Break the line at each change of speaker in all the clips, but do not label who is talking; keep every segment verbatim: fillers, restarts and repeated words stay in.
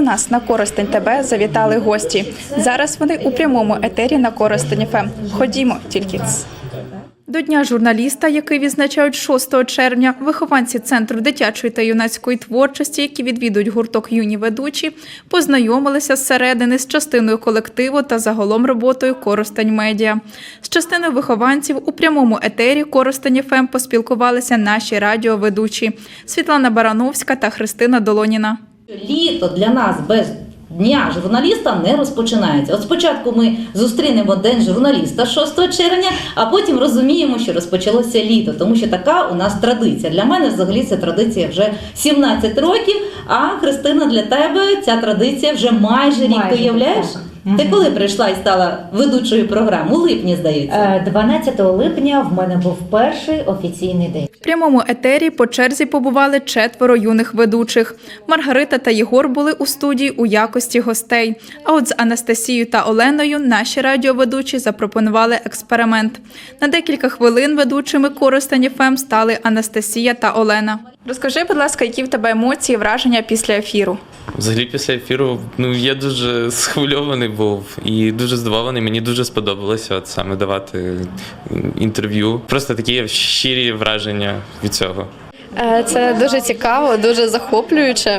нас на Коростень ТВ завітали гості. Зараз вони у прямому етері на Коростень ФМ. Ходімо, тільки ц. До Дня журналіста, який відзначають шостого червня, вихованці Центру дитячої та юнацької творчості, які відвідують гурток «Юні ведучі», познайомилися зсередини з частиною колективу та загалом роботою Коростень Медіа. З частиною вихованців у прямому етері Коростень ФМ поспілкувалися наші радіоведучі Світлана Барановська та Христина Долоніна.
Літо для нас без Дня журналіста не розпочинається. От спочатку ми зустрінемо День журналіста шостого червня, а потім розуміємо, що розпочалося літо, тому що така у нас традиція. Для мене взагалі ця традиція вже сімнадцять років, а Христина, для тебе ця традиція вже майже рік, ти уявляєш? Угу. Ти коли прийшла і стала ведучою програми? У липні, здається.
дванадцятого липня в мене був перший офіційний день.
В прямому етері по черзі побували четверо юних ведучих. Маргарита та Єгор були у студії у якості гостей. А от з Анастасією та Оленою наші радіоведучі запропонували експеримент. На декілька хвилин ведучими Коростень ФМ стали Анастасія та Олена. Розкажи, будь ласка, які в тебе емоції, враження після ефіру?
Взагалі після ефіру ну, я дуже схвильований був і дуже здивований. Мені дуже сподобалося от саме давати інтерв'ю. Просто такі щирі враження від цього.
Це дуже цікаво, дуже захоплююче.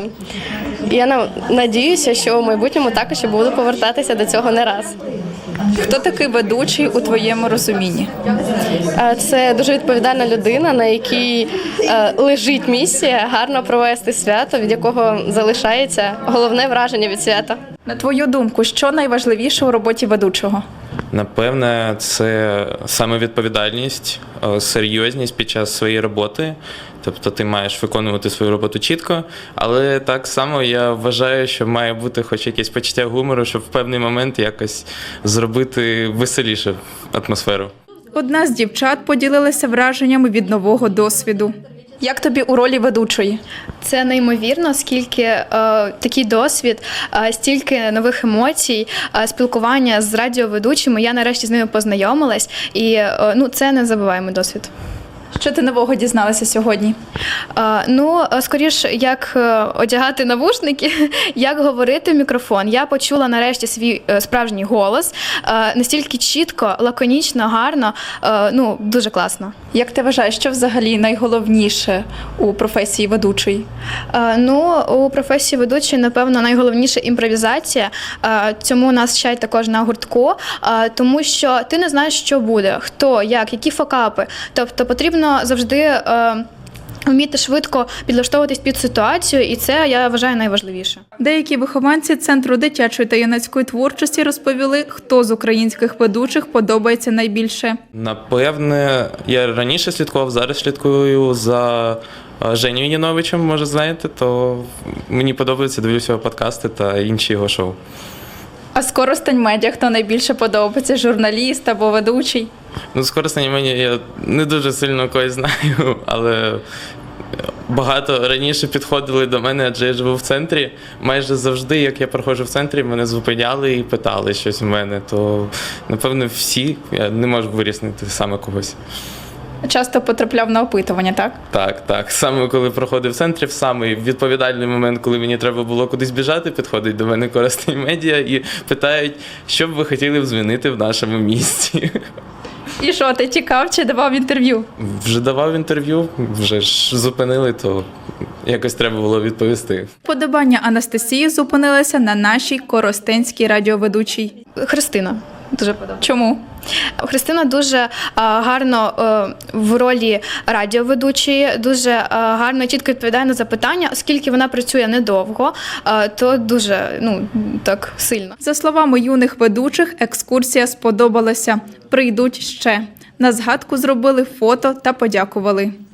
Я надіюся, що в майбутньому також я буду повертатися до цього не раз.
Хто такий ведучий у твоєму розумінні?
Це дуже відповідальна людина, на якій лежить місія гарно провести свято, від якого залишається головне враження від свята.
На твою думку, що найважливіше у роботі ведучого?
Напевне, це саме відповідальність, серйозність під час своєї роботи. Тобто ти маєш виконувати свою роботу чітко, але так само я вважаю, що має бути хоч якесь почуття гумору, щоб в певний момент якось зробити веселіше атмосферу.
Одна з дівчат поділилася враженнями від нового досвіду. Як тобі у ролі ведучої?
Це неймовірно, скільки е, такий досвід, е, стільки нових емоцій, е, спілкування з радіоведучими. Я нарешті з ними познайомилась, і е, ну, це незабуваємий досвід.
Що ти нового дізналася сьогодні?
Е, ну, скоріш, як е, одягати навушники, як говорити в мікрофон. Я почула нарешті свій е, справжній голос, е, настільки чітко, лаконічно, гарно, е, ну, дуже класно.
Як ти вважаєш, що взагалі найголовніше у професії ведучої?
Е, ну, у професії ведучої, напевно, найголовніше імпровізація. Е, цьому нас вчать також на гуртку, е, тому що ти не знаєш, що буде, хто, як, які факапи. Тобто потрібно завжди е, вміти швидко підлаштовуватись під ситуацію, і це, я вважаю, найважливіше.
Деякі вихованці Центру дитячої та юнацької творчості розповіли, хто з українських ведучих подобається найбільше.
Напевне, я раніше слідкував, зараз слідкую за Женєю Яновичем, може знаєте, то мені подобається, дивлюся його подкасти та інші його шоу.
А з Коростень Медіа хто найбільше подобається? Журналіст або ведучий?
Ну, з Коростень Медіа я не дуже сильно когось знаю, але багато раніше підходили до мене, адже я живу в центрі. Майже завжди, як я проходжу в центрі, мене зупиняли і питали щось у мене. То, напевно, всі, я не можу вирізнити саме когось.
Часто потрапляв на опитування, так?
Так, так. Саме коли проходив в центрі, в самий відповідальний момент, коли мені треба було кудись біжати, підходить до мене Коростень Медіа і питають, що б ви хотіли б змінити в нашому місті.
І що, ти тікав чи давав інтерв'ю?
Вже давав інтерв'ю, вже ж зупинили, то якось треба було відповісти.
Вподобання Анастасії зупинилося на нашій коростенській радіоведучій.
Христина. Дуже подобається.
Чому?
Христина дуже а, гарно а, в ролі радіоведучої, дуже а, гарно і чітко відповідає на запитання, оскільки вона працює недовго, а, то дуже, ну, так сильно.
За словами юних ведучих, екскурсія сподобалася. Прийдуть ще. На згадку зробили фото та подякували.